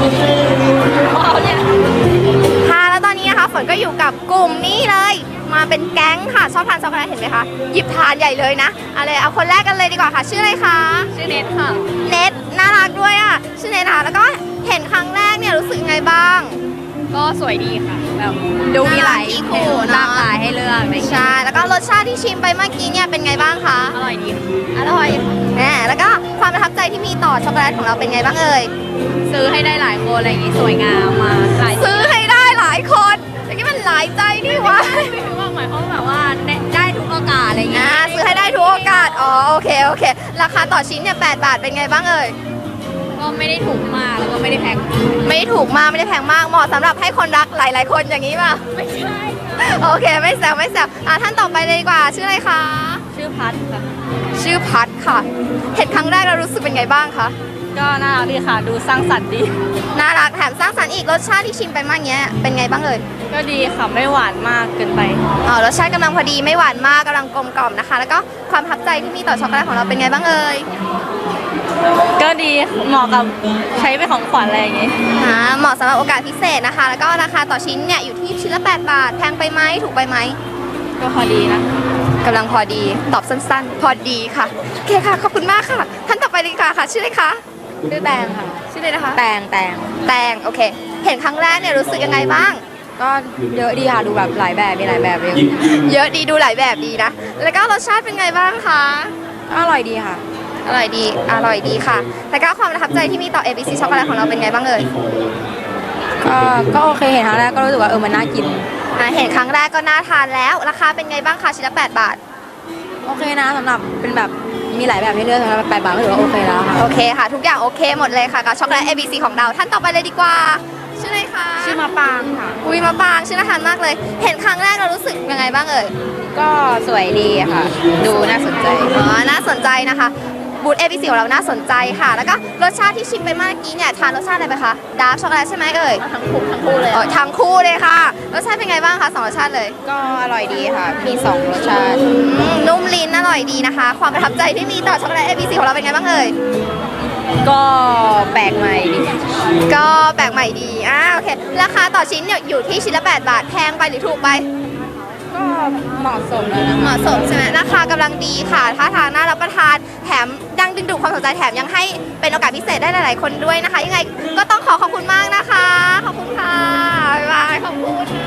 ค่ะแล้วตอนนี้นะคะฝนก็อยู่กับกลุ่มนี้เลยมาเป็นแก๊งค่ะชอบทานช็อกโกแลตเห็นไหมคะหยิบทานใหญ่เลยนะเอาคนแรกกันเลยดีกว่าค่ะชื่ออะไรคะชื่อเนทค่ะเน็ตน่ารักด้วยอ่ะชื่อเน็ตค่ะแล้วก็เห็นครั้งแรกเนี่ยรู้สึกยังไงบ้างก็สวยดีค่ะแบบดูมีหลายคู่หลากหลายให้เลือกใช่แล้วก็รสชาติที่ชิมไปเมื่อกี้เนี่ยเป็นไงบ้างคะอร่อยดีอร่อยแล้วก็ความประทับใจที่มีต่อช็อกโกแลตของเราเป็นไงบ้างเอ่ยซื้อให้ได้หลายคนอะไรอย่างงี้สวยงามมาซื้อให้ได้หลายคนแต่ที่มันหลายใจนี่วะไม่รู้ว่าหมายความแบบว่าได้ทุกโอกาสอะไรอย่างเงี้ยซื้อให้ได้ทุกโอกาสอ๋อโอเคราคาต่อชิ้นเนี่ย8 บาทเป็นไงบ้างเอ่ยก็ไม่ได้ถูกมากแล้วก็ไม่ได้แพงไม่ได้ถูกมากไม่ได้แพงมากเหมาะสำหรับให้คนรักหลายๆคนอย่างนี้ป่ะไม่ใช่โอเคไม่แซวท่านต่อไปเลยดีกว่าชื่ออะไรคะชื่อพัดค่ะชื่อพัดค่ะเห็นครั้งแรกเรารู้สึกเป็นไงบ้างคะก็น่ารักดีค่ะดูสร้างสรรค์ดีน่ารักแถมสร้างสรรค์อีกรสชาติที่ชิมไปมากเงี้ยเป็นไงบ้างเอ่ยก็ดีค่ะไม่หวานมากเกินไปรสชาติกำลังพอดีไม่หวานมากกำลังกลมกล่อมนะคะแล้วก็ความประทับใจที่มีต่อช็อกโกแลตของเราเป็นไงบ้างเอ่ยก็ดีเหมาะกับใช้เป็นของขวัญอะไรอย่างงี้เหมาะสำหรับโอกาสพิเศษนะคะแล้วก็ราคาต่อชิ้นเนี่ยอยู่ที่ชิ้นละ8 บาทแพงไปไหมถูกไปไหมก็พอดีนะกำลังพอดีตอบสั้นๆพอดีค่ะโอเคค่ะขอบคุณมากค่ะท่านต่อไปเลยค่ะชื่ออะไรคะชื่อแตงค่ะชื่ออะไรนะคะแตงโอเคเห็นครั้งแรกเนี่ยรู้สึกยังไงบ้างก็เยอะดีค่ะดูแบบหลายแบบมีหลายแบบเยอะดีดูหลายแบบดีนะแล้วก็รสชาติเป็นไงบ้างคะอร่อยดีค่ะอร่อยดีค่ะแล้วก็ความประทับใจที่มีต่อ ABC ช็อกโกแลตของเราเป็นไงบ้างเอ่ยก็โอเคเห็นครั้งแรกก็รู้สึกว่ามันน่ากินเห็นครั้งแรกก็น่าทานแล้วราคาเป็นไงบ้างคะชิ้นละ8 บาทโอเคนะสำหรับเป็นแบบมีหลายแบบให้เลือกสำหรับ8 บาทก็ถือว่าโอเคแล้วค่ะโอเคค่ะทุกอย่างโอเคหมดเลยค่ะกับช็อกโกแลต ABC ของเราท่านต่อไปเลยดีกว่าชื่ออะไรคะชื่อมะปางค่ะมะปางชื่อน่าทานมากเลยเห็นครั้งแรกเรารู้สึกยังไงบ้างเอ่ยก็สวยดีค่ะดูน่าสนใจน่าสนใจนะคะบูธ ABC ของเราน่าสนใจค่ะแล้วก็รสชาติที่ชิมไปเมื่อกี้เนี่ยทานรสชาติอะไรไปคะดาร์กช็อกโกแลตใช่ไหมเอ่ยทั้งคู่เลยทั้งคู่เลยค่ะรสชาติเป็นไงบ้างคะ2 รสชาติเลยก็อร่อยดีค่ะมี2 รสชาตินุ่มลิ้นอร่อยดีนะคะความประทับใจที่มีต่อช็อกโกแลต ABC ของเราเป็นไงบ้างเอ่ยก็แปลกใหม่ดีโอเคราคาต่อชิ้นเนี่ยอยู่ที่ชิ้นละ8 บาทแพงไปหรือถูกไปก็เหมาะสมแล้วนะเหมาะสมใช่ไหมราคากำลังดีค่ะท่าทางน่ารับประทานแถมยังดึงดูดความสนใจแถมยังให้เป็นโอกาสพิเศษได้หลายๆคนด้วยนะคะยังไงก็ต้องขอบคุณมากนะคะขอบคุณค่ะบ๊ายบายขอบคุณ